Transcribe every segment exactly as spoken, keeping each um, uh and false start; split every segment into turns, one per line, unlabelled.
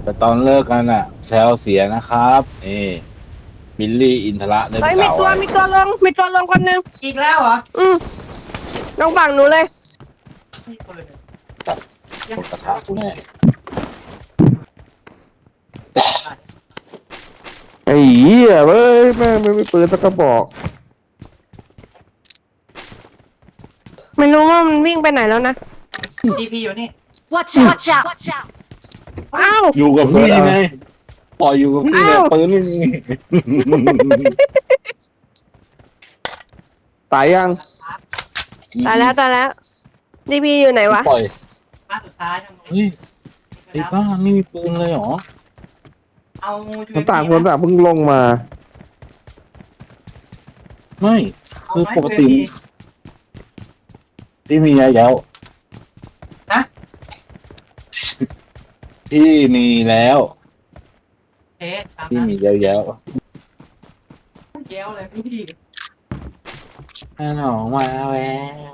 แต่ตอนเลิกกันอ่ะแซวเสียนะครับนี่บิลลี่อินทระได้ไป
เฮ้ยมี
กล่าวไว้
ตัวมีตัวลงมีตัวลงคนหนึ่ง
อีกแล้วเหรอ
อืมลงฝั่งหนูเลย
มีปืน
จับหมดกระทะกูแน่
ไอ้เหี้ยเว้ยแม่งไม่มีปืนสักกระบอก
ไม่รู้ว่ามันวิ่งไปไหนแล้วนะ
ดีพีอยู่นี่
Watch out! Watch out! Watch out!
อ้าว
อยู่กับพี่ไงปล่อยอยู่กับพี่ไง
อ้าว
ปืนไม่มี
ตายยัง
ตายแล้วตายแล้วดีพีอยู่ไหนวะ
ปล่อย
บ้านสุดท้ายทางนู้น
เฮ้ยไอ้บ้าไม่มีปืนเลยเหรอ
เอา
มันต่างคนต่างเพิ่งลงมา
ไม่คือปกติพี่มีแล้ว
นะ
พี่มีแล้ว
เอ๊ะตาม
พี่
นั้น
มีแล้วแล้ว
เกี้ยวเลยพี่
แน่นอนมาแล้ว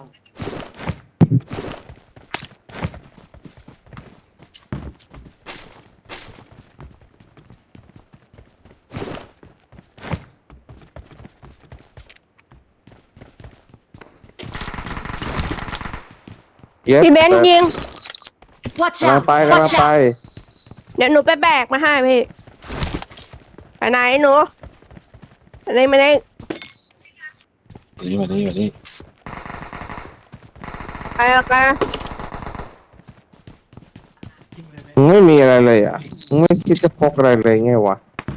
Yes
พี่เบนซ์ยิง
Watch
กำลัง
out!
ไปกำลัง
Watch
ไป
out!
เดี๋ยวหนูไปแบกมาให้พี่ไปไหนหนูอันนี้ไม่ได้
นี่มานี่มานี่
ไปเอากัน
จริงเลย
มึงไม่มีอะไรเลยอ่ะมึงไม่คิดจะพกอะไรเลยไงวะ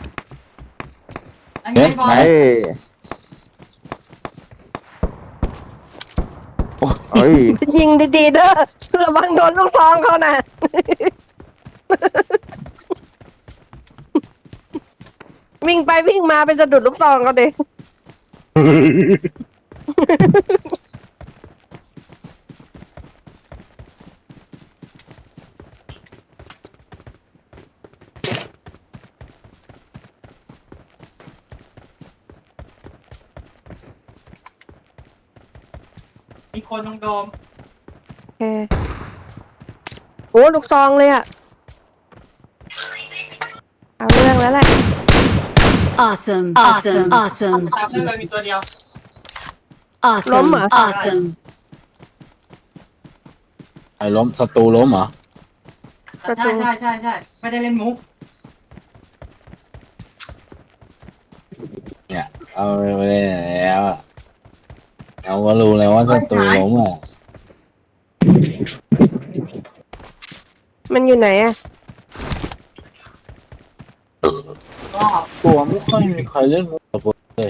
อันนี้บอล
ไอ้เอ้ย
ยิงดีๆเด้อระวังโดนลูกซองเขานะ วิ่งไปวิ่งมาเป็นสะดุดลูกซองเขาดิ
มีคนตรงโดม
โอเคโอ้ลูกซองเลยอะเอาเรื่องแล้วแหละ
Awesome! Awesome! Awesome!
ตามเลยมีตัวเดียว
Awesome!
Loma.
Awesome!
ไอ้ล้มศัตรูล้มเหรอ
ใช่ใช่ใช่ใช่ไม่ได้เล่นมุก
เนี่ยเอาไปแล้วอะเราก็รู้แล้วว่าศัตรูล้มอ่ะ
มันอยู่ไหนอะ
ก็
ตัวไม่ค่อยมีใครเล่นมุกกับผมเลย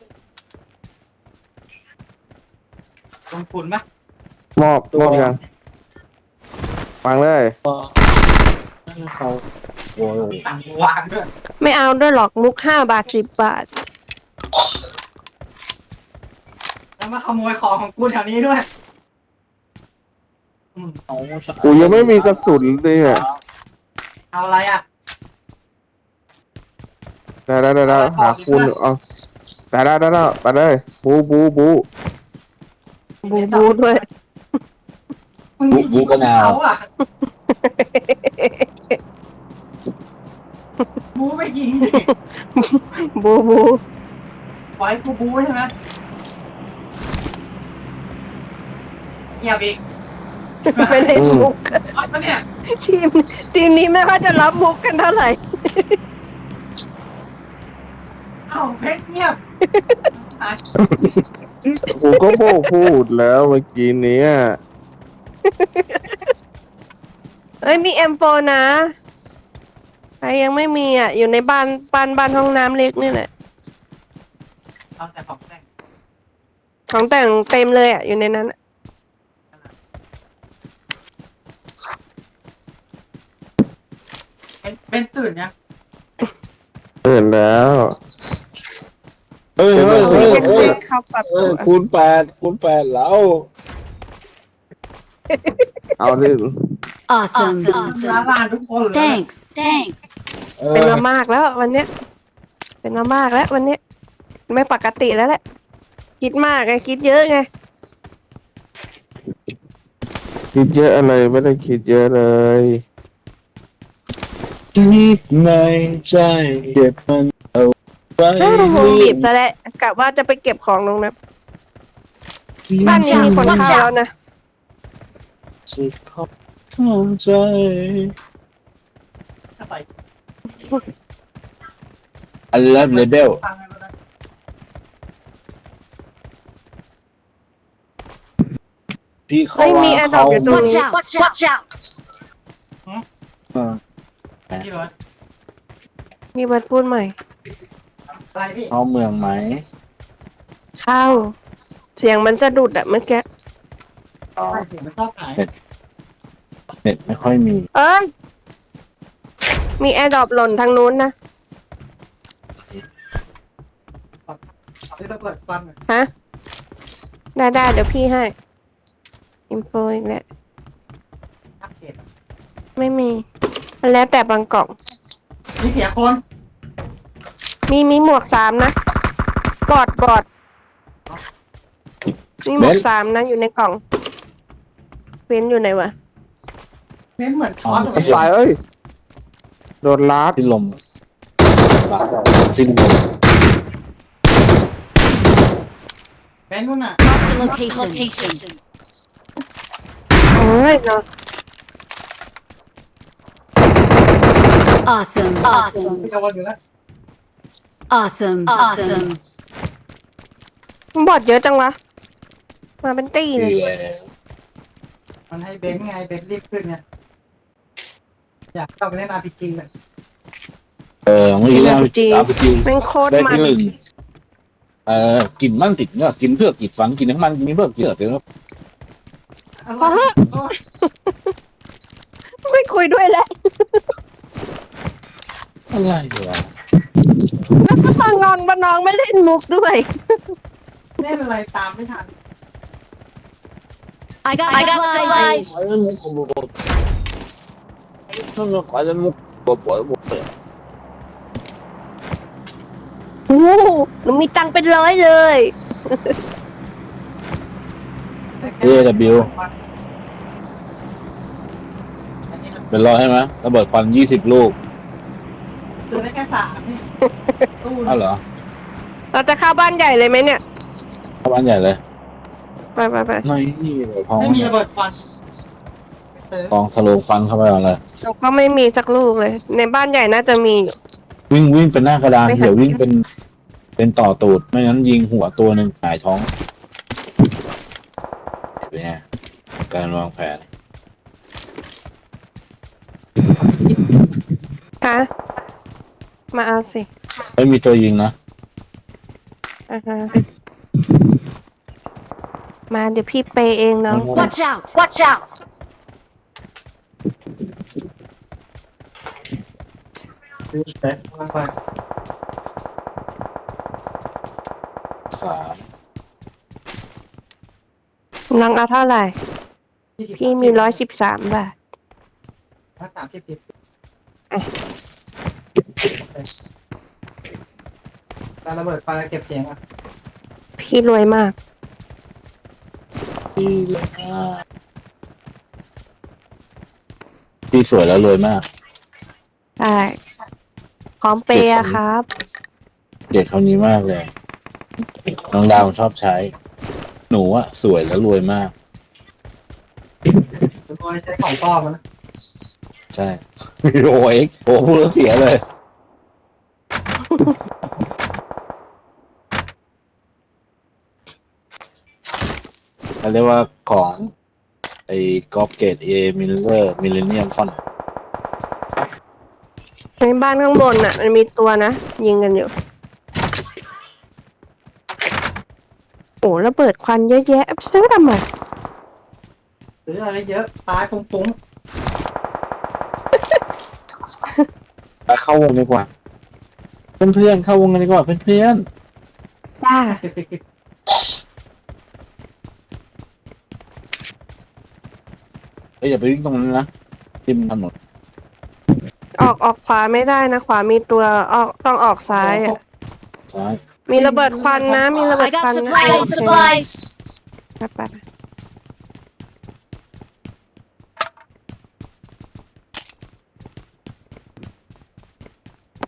ลงทุนปะ
มอบมอบยังฟังเลย
ก็ให้เขาโอ้ย
ต่างวางด้วย
ไม่เอาด้วยหรอกมุกห้าบาทสิบบาท
แล้วมาขโมยของของกูแถวนี้ด้วยอืม
เอา
กูยังไม่มีกระสุนเลยอ่ะ
เอาอะไรอ่ะ
ได้ได้ได้ได้หาคูณเอาได้ได้ได้ได้ไปเลยบูบูบู
บูบูด้วย
มึงมียิงของเขาอ่ะบูไปยิงดิ
บูบู
ไว้กูบูใช่ไหมเงียบอีก
ไม่เล่นมุก
อ๋อเนี่ย
ทีมทีมนี้ไม่ค่อยจะรับมุกกันเท่าไหร่
เอ้าเพชรเงียบ
กูก็โบกพูดแล้วเมื่อกี้เนี้ย
เอ้ยมีเอ็มโฟนะใครยังไม่มีอ่ะ อยู่ในบ้านบ้านบ้านห้องน้ำเล็กนี่แหละ
เอาแต่ของแต่ง
ของแต่งเต็มเลยอ่ะ อยู่ในนั้นอะ
เป็นเป็นตื่นยัง
เห็นแล้ว
เฮ้ยเฮ้ยเฮ้ย
เช็ค
เฮ้ย
เข้าปรับ
เออคูณแปดคูณแปดแล้ว
เอาดิ
Awesome!
ร้านร้านทุกคนเลย
Thanks! Thanks!
เออ
เป็นมามากแล้ววันเนี้ย เป็นมามากแล้ววันเนี้ย ไม่ปกติแล้วแหละ คิดมากไงคิดเยอะไง
คิดเยอะอะไรไม่ได้คิดเยอะเลย
คิดในใจเก็บมันเอาไว้
อ้าววงบีบซะแล้วกะว่าจะไปเก็บของลงนะบ้านนี้มีคนเข้าแล้วนะ
สุดขอบเข้าใจ
ถ้าไป
อันเลิฟเลเบล
ฟังกันนะ
พี่เขา
เฮ้ยมี
ว่า
แอร์ดรอ
เขา
ปอยู่ตรง
Watch
นี้
out! Watch out!
เออ
พี่เบิร์ด
มีบัตรพูดใหม่
อะไรพี่
เข้าเมืองไหม
เข้า เสียงมันสะดุดอะเมื่อกี้
ไม่ผมไม่ชอบขาย
เน็ตไม่ค่อยมี
เอ้ยมีแอร์ดรอปหล่นทางนู้นนะ
ที่เราเปิดฟัน
ฮะ ได้ได้เดี๋ยวพี่ให้ อินโฟอีกแล้ว
อัปเดต
ไม่มีมันแล้วแต่บางกล่อง
มีเสียคน
มีมีหมวกสามนะ บอดบอดมีหมวกสามนะอยู่ในกล่องเว้นอยู่ไหนวะ
เน้นเหมือนช้อนเลย
ตายเอ้ยโดนลัด
สิ้นลมบาดสิ้นลม
เป็นนู่นน่ะ
Marked a location.
โอ้ยเนาะ
Awesome! Awesome!
พี่จะวนอยู่แล้ว
Awesome! Awesome!
บอดเยอะจังวะ มาเป็นตี้เล
คื
ย
อแล้ว
มันให้เบนซ์ไงเบนซ์รีบขึ้นไงอยากเข้าไปเล่น อาร์ พี จี เลย
เออเมื่อกี้เรา
อาร์พีจี
อาร์พีจี
แม่งโคตร
ได้
มัน
ที่หนึ่งเออกินมั่งติดเนื้อกินเพื่อกินฝังกินน้ำมันกินเพื่อกินเลือดเดี๋ยว
อะไรโอ้ย
ไม่คุยด้วยแล้ว
อะไรวะ
แล้วก็มางอนมาน้องไม่เล่นมุกด้วย
เล่นอะไรตามไม่ทัน
I got I got supplies.
ไอ้มุกมุกมุกถ้าเราขายมุกปวดปวดปวด
โอ้โหหนูมีตังค์เป็นร้อยเลย
เอวเป็นร้อยใช่ไหมระเบิดควันยี่สิบลูก
ซื้อได้แค่สามนี่ตู้
อ้าวเหรอ
เราจะเข้าบ้านใหญ่เลยไหมเนี่ย
เข้าบ้านใหญ่เลย
ไปไปไป
ไม่นี่เลยพอง
ไม่มีระเบิดควันซื้อ
พองทะลุฟันเข้าไปอะไร
เราก็ไม่มีสักลูกเลย ในบ้านใหญ่น่าจะมีอยู่
วิ่งวิ่งเป็นหน้ากระดาน
ไม่หัน
เดี๋ยววิ่งเป็น เป็นต่อตูดไม่งั้นยิงหัวตัวหนึ่งหงายท้องเป็นไงการวางแผน
ฮะมาเอาสิ
ไม่มีตัวยิงนะ
อ่าฮะมาเดี๋ยวพี่เปย์เองเนาะ
Watch out! Watch out!
ซื้อเป๊ะมาไป
สาม
นังเอาเท่าไหร่ พี่มีร้อยสิบสามบาท
ถ้าสามสิบปิด
อ่ะ
การระเบิดไฟเก็บเสียงอ่ะ
พี่รวยมาก
พี่เลยมากพี่สวยแล้วรวยมาก
ใช่พร้อมเปย์อะครับ
เด็กคนนี้มากเลย น้องดาวชอบใช้ หนูอะสวยแล้วรวยมาก
โดยใช้ของปลอมนะ
ใช่ โอ้เอ็กโอ้พูดแล้วเสียเลย เขาเรียกว่าของ ไอ้กอล์ฟเกตเอมิลเลอร์มิลเลนเนียมฟอน
ในบ้านข้างบนน่ะ มันมีตัวนะ ยิงกันอยู่ โอ้ระเบิดควันเยอะแยะซื้อทำไม
ซื้ออะไรเยอะตายปุ้ง
ไปเข้าวงดีกว่า เพื่อนๆเข้าวงกันดีกว่าเพื่อน
จ้า
ๆ
ๆเอ้ยอย่าไปวิ่งตรงนั้นนะทิมถนน
ออกออกขวาไม่ได้นะ ขวามีตัวออกต้องออกซ้ายอ่ะ
ซ้าย
มีระเบิดควันนะ มีระเบิ
I
ดควัน
got
นะ
supplies! I got supplies!
ไปไปไป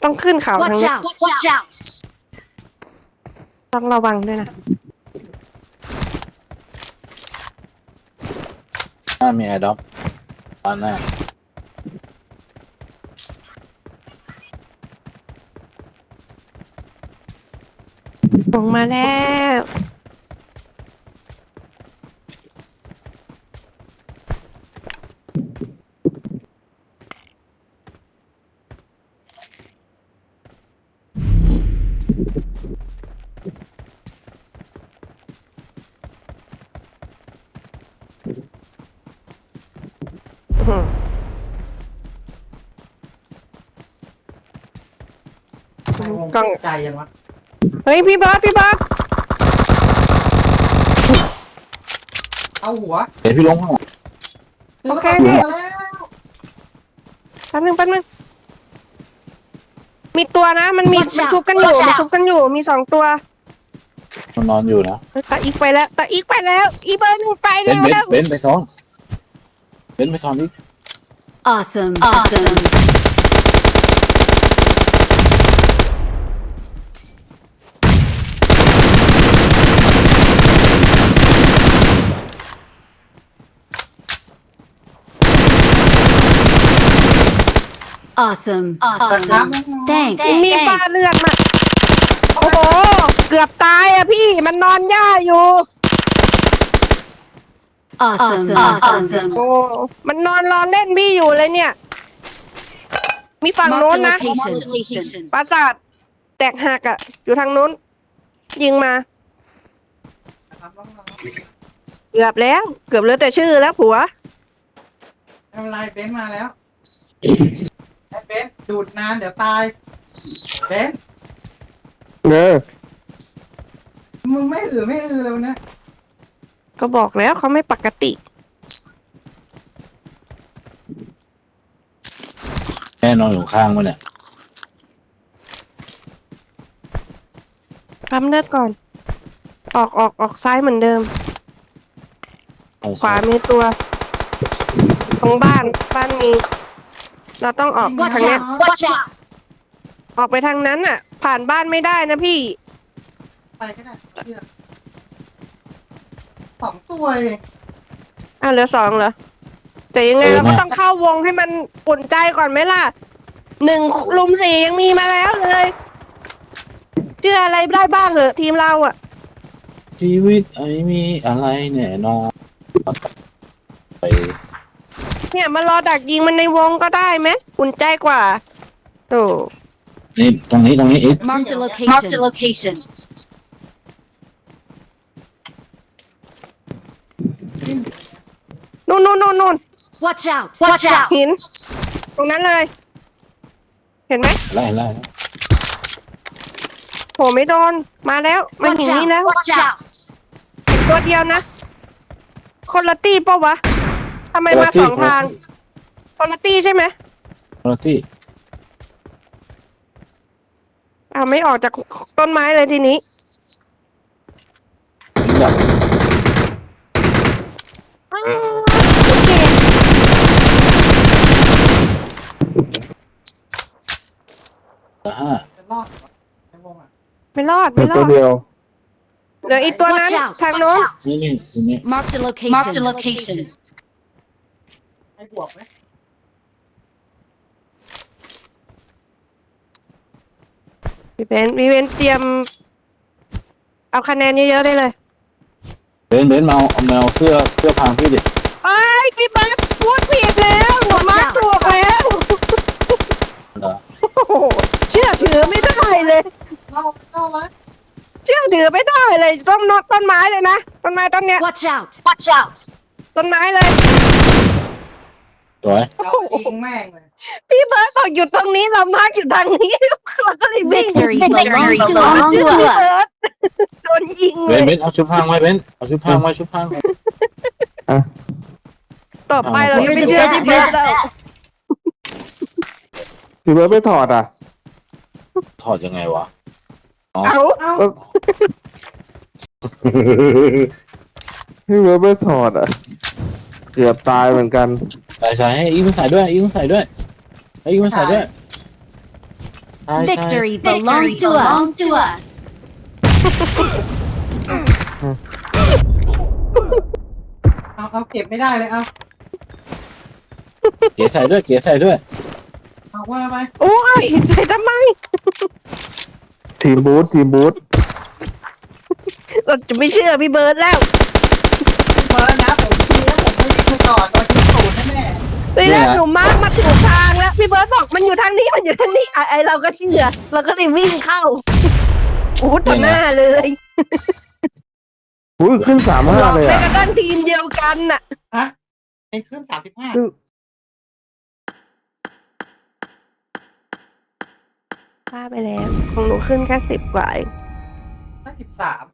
ต้องขึ้นเขาทาง
Watch
นี้
out! Watch out!
ต้องระวังด้วยนะ
หน้ามีแอร์ด็อปตอนหน้า
ลงมาแล้วอืม
ไอ้วง
กล้อง
ใจยังวะ
เฮ้ยพี่เบิร์ดพี่เบิร์ด
เอาหัว
เดี๋ยวพี่ลงข้างหลัง
โอเค
จ
พี่
อแล้ว
แป๊บนึงแป๊บนึงมีตัวนะ มันมี
Watch
มัน
out
ชุบกันอยู่
Watch out
มันชุบกันอยู่มีสองตัว
มันนอนอยู่นะ
ตาอีกไปแล้วตาอีกไปแล้ว อีเบิร์ดหนูไป
เบน
แล้ว
เบน
แล้ว
เบนไปซ้อนเบนไปซ้อนนี่
Awesome! Awesome! Awesome!
ครับ
Thanks!
มีฟ้าเลือดมาโอ้โหเกือบตายอะพี่มันนอนย่าอยู่
Awesome! Awesome!
โอ้มันนอนรอเล่นพี่อยู่เลยเนี่ย มีฝั่ง
Mark
โน้น
the
นะ
location.
ปราสาทแตกหักอะอยู่ทางโน้น ยิงมา
ครับน้อง
เกือบแล้ว เกือบเหลือแต่ชื่อแล้วผัว
ๆไม่เป็นไรเบนซ์มาแล้วไอ้เบนซ์ดูดนานเดี๋ยวตายเบนซ์
เออ
มึงไม่อือไม่อือเลยวันเนี้ย
ก็บอกแล้วเขาไม่ปกติ
แม่นอนอยู่ข้างมันเนี่ย
ปั๊มเลือดก่อน ออกออกออกซ้ายเหมือนเดิม ขวามีตัวตรงบ้าน บ้านมี เราต้องออก
Watch
ทางเนี้ย
out! Watch out!
ออกไปทางนั้นน่ะ ผ่านบ้านไม่ได้นะพี่
ไปก็ได้เชื่อสองตัวเอง
อ่ะเหลือสองเหรอ แต่ยังไงเราก็ต้องเข้าวงให้มันอุ่นใจก่อนไหมล่ะ หนึ่งลุมสี่ยังมีมาแล้วเลยเชื่ออะไรได้บ้างเหรอทีมเราอ่ะ
ชีวิตไอ้มีอะไรแน่นอนไป
เนี่ยมารอดักยิงมันในวงก็ได้ไหมอุ่นใจกว่าโอ้
นี่ตรงนี้ตรงนี้อีก
Mark the location. Mark the location.
นู่นนู่นนู่นนู่น
Watch out! Watch out!
หิน ตรงนั้นเลย เห็นไหม
ไล่ไล่
โหไม่โดน มาแล้วมัน
Watch
หินนี่แล้ว
out! Watch out!
ตัวเดียวนะ คนละตี้ปะวะทำไมมาสองทาง คนละตี้ใช่ไหม
คนละที่
อ้าวไม่ออกจากต้นไม้เลยทีนี้
จับ
อ้าวโอเค
ละห้า
จะรอดเหรอไอ้วงอ่ะ
ไม่รอด
เหลื
ไม่
อ
รอ
ตัว
ด
เดียว
เหลืออีกตัวนั้น
Watch out!
ทาง
Watch
โน้น
out!
นี่นี่ทีนี้
Mark the location. Mark the location.
ให้บวกไหม
พี่เบนพี่เบนเตรียม เอาคะแนนเยอะๆได้เลย
เบนเบนมาเอามาเอาเสื้อเสื้อพรางพี่ดิ
ไอ้ยพี่เบิร์ดพูดผิดแล้วหัวมาร์คถูกแล้ว
เหรอ
โอ้โหเชื่อถือไม่ได้เลย
เล่าเล่าไว้
เชื่อถือไม่ได้เลยต้นนต้นไม้เลยนะต้นไม้ต้นเนี้ย
Watch out! Watch out!
ต้นไม้เลย
สวย
เอายิงแม่งเลย
พี่เบิร์ดบอกหยุดตรงนี้เรามาร์กอยู่ทางนี้เราก็เลยวิ่ง
Victory
Victory
belongs to
เชื่อ
us.
พี่เบิร์ดโดนยิง
เบ
เล
น
ย
เบนเอาชุดพรางไว้เบนเอาชุดพรางไว้ชุดพรางไว้
ต่อไปเราจะไม่เชื่อพี่เบิร์ดแล้ว
พี่เบิร์ดไม่ถอดอ่ะ
ถอดยังไงวะอ๋อ
เอา
เอ้า
เอ้า พี่เบิร์ดไม่ถอดอ่ะ เกือบตายเหมือนกัน
ใส่ใส่ให้อีกมันใส่ด้วยอีกมันใส่ด้วยให้อีกมันใส่ด้วยใช่ใช่
Victory belongs to us.
เอาเอาเก็บไม่ได้เลยเอา
เก๋ใส่ด้วยเก๋ใส่ด้วย
เอาว่าไป
โอ้ยใส่ทำไม
ทีมบูธทีมบูธ
เราจะไม่เชื่อพี่เบิร์ดแล้ว
มาแล้วนะผมทีแล้วผมไม่ไปก่อนตอนที่ศูนย์แน่
นี่นะหนูมาร์กมาถูกทางแล้วพี่เบิร์ดบอกมันอยู่ทางนี้มันอยู่ทางนี้ไอไอเราก็เชื่อเราก็เลยวิ่งเข้าโอ้ต่อหน้าเลย
อุ้ยขึ้นสามห้าเลย
ไป
อ่ะ
กระด้านทีมเดียวกันน่ะ
ๆฮะเป็นขึ้นสามสิบห้า
พลาดไปแล้วของหนูขึ้นแค่สิบกว่าเอง
ถ้าสิบสาม